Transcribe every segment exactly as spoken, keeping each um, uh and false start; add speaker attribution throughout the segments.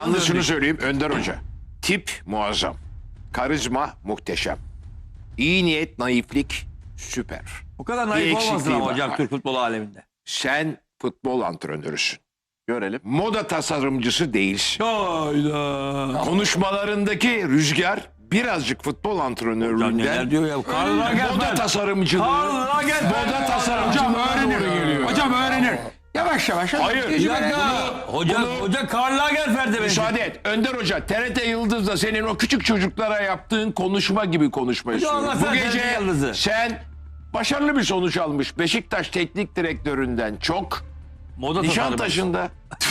Speaker 1: Anlasını söyleyeyim Önder Hoca. Tip muazzam. Karizma muhteşem. İyi niyet, naiflik süper.
Speaker 2: Bu kadar
Speaker 1: Bir
Speaker 2: naif olmasın
Speaker 1: eksikliği
Speaker 2: ama
Speaker 1: var.
Speaker 2: hocam Türk futbolu aleminde.
Speaker 1: Sen futbol antrenörüsün.
Speaker 3: Görelim.
Speaker 1: Moda tasarımcısı değilsin.
Speaker 2: Hayda.
Speaker 1: Konuşmalarındaki rüzgar birazcık futbol
Speaker 2: Hocam
Speaker 1: antrenörlüğünden
Speaker 2: neler diyor ya. Karl
Speaker 1: moda
Speaker 2: Lagerfeld.
Speaker 1: tasarımcılığı,
Speaker 2: Karl Lagerfeld.
Speaker 1: moda
Speaker 4: Hocam
Speaker 1: tasarımcılığı
Speaker 4: öğrenir.
Speaker 1: doğru geliyor.
Speaker 4: Hocam öğrenir. Yavaş yavaş.
Speaker 1: Hayır.
Speaker 2: Bir dakika. Hoca,
Speaker 1: bunu-
Speaker 2: hoca Karl Lagerfeld'e benziyor.
Speaker 1: Müsaade et. Önder Hoca, T R T Yıldız'da senin o küçük çocuklara yaptığın konuşma gibi konuşma istiyorum.
Speaker 2: anlatsana
Speaker 1: Bu
Speaker 2: T R T
Speaker 1: gece
Speaker 2: Yıldız'ı.
Speaker 1: sen başarılı bir sonuç almış. Beşiktaş teknik direktöründen çok
Speaker 2: Moda tasarımı.
Speaker 1: Nişantaşı'nda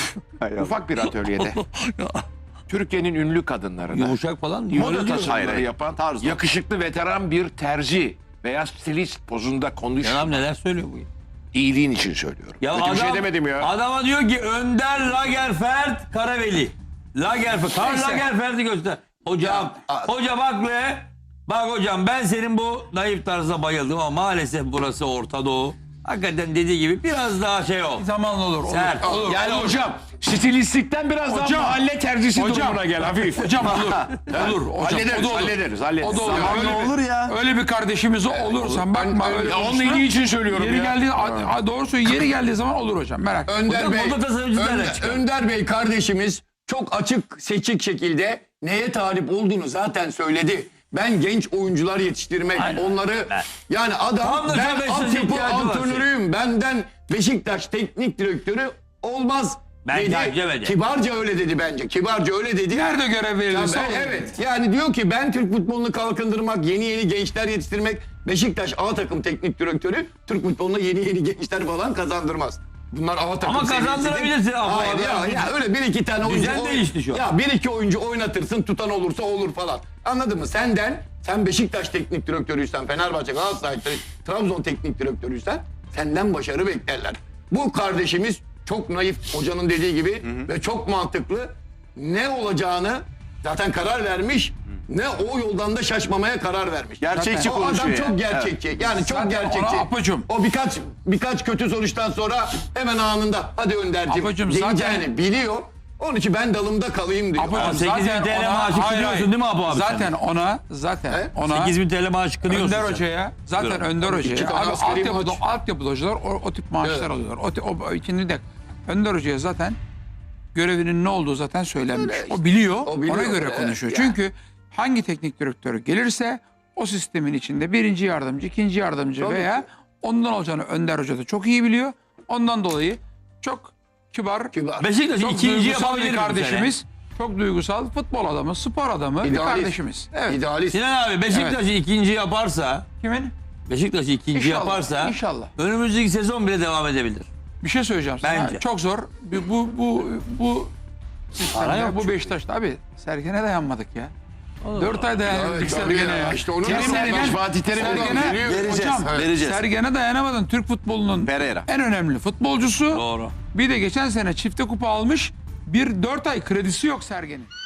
Speaker 1: ufak bir atölyede Türkiye'nin ünlü kadınlarına
Speaker 2: Yumuşak falan mı?
Speaker 1: moda
Speaker 2: Öyle diyor.
Speaker 1: tasarımları yapan
Speaker 3: Tarz o.
Speaker 1: yakışıklı veteran bir terzi veya stilist pozunda konuş.
Speaker 2: Adam neler söylüyor bu ya?
Speaker 1: İyiliğin için söylüyorum.
Speaker 2: Ya
Speaker 1: Kötü
Speaker 2: adam,
Speaker 1: bir şey demedim ya.
Speaker 2: Adama diyor ki Önder Lagerfeld Karaveli. Lagerfeld. Karl
Speaker 4: Neyse.
Speaker 2: Lagerfeld'i göster. Hocam, hoca bak be. Bak hocam ben senin bu naif tarzına bayıldım ama maalesef burası Orta Doğu. Hakikaten dediği gibi biraz daha şey ol.
Speaker 4: Zamanla olur. Olur.
Speaker 2: Sert.
Speaker 4: Olur.
Speaker 1: Yani hocam stilistlikten biraz daha
Speaker 4: Hocam.
Speaker 1: mahalle terzisi
Speaker 4: Hocam.
Speaker 1: durumuna gel hafif.
Speaker 4: Hocam olur. Olur. Hocam,
Speaker 1: hallederiz,
Speaker 4: o da olur.
Speaker 1: hallederiz, hallederiz.
Speaker 4: O da olur.
Speaker 1: Zamanla
Speaker 4: Öyle bir-
Speaker 3: olur ya.
Speaker 4: Öyle bir kardeşimiz olursan bakma öyle.
Speaker 1: Ya onun
Speaker 4: konuşma.
Speaker 1: iyiliği için söylüyorum
Speaker 4: Yeri
Speaker 1: ya.
Speaker 4: geldiği a- a- doğru söylüyor. Yeri geldiği zaman olur hocam. Merak etme.
Speaker 5: Önder
Speaker 2: Hocam
Speaker 5: Bey,
Speaker 2: moda tasarımcısı nereden
Speaker 5: Önder,
Speaker 2: çıkar?
Speaker 5: Önder Bey kardeşimiz çok açık seçik şekilde neye talip olduğunu zaten söyledi. Ben genç oyuncular yetiştirmek,
Speaker 2: Aynen.
Speaker 5: onları
Speaker 2: Ben-
Speaker 5: yani
Speaker 2: Tam
Speaker 5: adam
Speaker 2: da
Speaker 5: ben
Speaker 2: Beşiktaş'a
Speaker 5: altyapı
Speaker 2: ihtiyacı var
Speaker 5: antrenörüyüm. Benden Beşiktaş teknik direktörü olmaz
Speaker 2: Bence
Speaker 5: dedi.
Speaker 2: demedi.
Speaker 5: Kibarca öyle dedi bence. Kibarca öyle dedi.
Speaker 4: Nerede görev
Speaker 5: Ya
Speaker 4: verilirse
Speaker 5: ben-
Speaker 4: olur.
Speaker 5: evet. Yani diyor ki ben Türk futbolunu kalkındırmak, yeni yeni gençler yetiştirmek, Beşiktaş A takım teknik direktörü Türk futboluna yeni yeni gençler falan kazandırmaz. Bunlar A takım
Speaker 2: Ama
Speaker 5: seviyesi
Speaker 2: kazandırabilirsin
Speaker 5: değil.
Speaker 2: Apo
Speaker 5: Hayır
Speaker 2: abi.
Speaker 5: ya, ya öyle bir iki tane oyuncu.
Speaker 2: Düzen değişti şu an.
Speaker 5: Ya bir iki oyuncu oynatırsın, tutan olursa olur falan. Anladın mı? Senden, sen Beşiktaş teknik direktörüysen, Fenerbahçe, Galatasaray, Trabzon teknik direktörüysen senden başarı beklerler. Bu kardeşimiz çok naif, hocanın dediği gibi ve çok mantıklı. Ne olacağını zaten karar vermiş. Ne o yoldan da şaşmamaya karar vermiş.
Speaker 3: Gerçekçi
Speaker 5: o adam
Speaker 3: konuşuyor
Speaker 5: çok
Speaker 3: yani.
Speaker 5: gerçekçi. Yani çok
Speaker 4: Zaten
Speaker 5: gerçekçi.
Speaker 4: ona Apocuğum.
Speaker 5: O birkaç birkaç kötü sonuçtan sonra hemen anında hadi Önder'cim
Speaker 4: Apocuğum
Speaker 5: diyeceğini
Speaker 4: zaten-
Speaker 5: biliyor. Onun için ben dalımda kalayım diyor.
Speaker 4: Apocuğum,
Speaker 2: Ama sekiz bin
Speaker 4: zaten
Speaker 2: T L
Speaker 4: ona-
Speaker 2: maaşı
Speaker 4: hayır,
Speaker 2: kınıyorsun
Speaker 4: hayır.
Speaker 2: değil mi Apo abi
Speaker 4: Zaten
Speaker 2: sen?
Speaker 4: ona, zaten
Speaker 5: He?
Speaker 4: ona.
Speaker 2: sekiz bin T L maaşı kınıyorsun
Speaker 4: Önder
Speaker 2: sen.
Speaker 4: Hoca'ya zaten
Speaker 2: Buyurun.
Speaker 4: Önder
Speaker 5: İki
Speaker 4: Hoca'ya
Speaker 5: tane
Speaker 4: abi
Speaker 5: askeri
Speaker 4: altyapıda,
Speaker 5: maç.
Speaker 4: altyapıda hocalar o, o tip maaşlar
Speaker 5: Evet.
Speaker 4: alıyorlar. O, ti- o, o şimdi de Önder Hoca'ya zaten görevinin ne olduğu zaten söylenmiş.
Speaker 5: Öyle işte.
Speaker 4: O biliyor,
Speaker 5: O biliyor,
Speaker 4: ona göre
Speaker 5: evet,
Speaker 4: konuşuyor.
Speaker 5: ya.
Speaker 4: Çünkü hangi teknik direktörü gelirse o sistemin içinde birinci yardımcı, ikinci yardımcı
Speaker 5: Tabii
Speaker 4: veya
Speaker 5: ki.
Speaker 4: ondan olacağını Önder Hoca da çok iyi biliyor. Ondan dolayı çok kibar,
Speaker 5: Kibar.
Speaker 2: Beşiktaş'ı
Speaker 4: çok
Speaker 2: ikinci
Speaker 4: duygusal
Speaker 2: yapabilir
Speaker 4: bir
Speaker 2: mi
Speaker 4: kardeşimiz. Çok duygusal futbol adamı, spor adamı bir
Speaker 5: İdealist.
Speaker 4: kardeşimiz. Evet.
Speaker 5: İdealist.
Speaker 2: Sinan abi Beşiktaş'ı ikinci yaparsa,
Speaker 4: Kimin?
Speaker 2: Beşiktaş'ı ikinci
Speaker 4: İnşallah,
Speaker 2: yaparsa
Speaker 4: inşallah.
Speaker 2: önümüzdeki sezon bile devam edebilir.
Speaker 4: Bir şey söyleyeceğim sana.
Speaker 2: Bence.
Speaker 4: Çok zor. Bu bu bu, bu
Speaker 2: Para yok
Speaker 4: sistemde, bu
Speaker 2: çünkü.
Speaker 4: Beşiktaş'ta abi Sergen'e dayanmadık ya. Dört ay dayanamadık
Speaker 5: Evet, tabii
Speaker 4: Sergen'e
Speaker 5: ya.
Speaker 4: ya.
Speaker 5: İşte onu
Speaker 1: Terim
Speaker 5: nasıl-
Speaker 1: demiş Fatih Terim.
Speaker 4: Sergen'e,
Speaker 3: Vereceğiz,
Speaker 4: hocam,
Speaker 3: vereceğiz.
Speaker 4: Sergen'e dayanamadın. Türk futbolunun
Speaker 3: Pereira.
Speaker 4: en önemli futbolcusu.
Speaker 2: Doğru.
Speaker 4: Bir de geçen sene çifte kupa almış. Bir dört ay kredisi yok Sergen'in.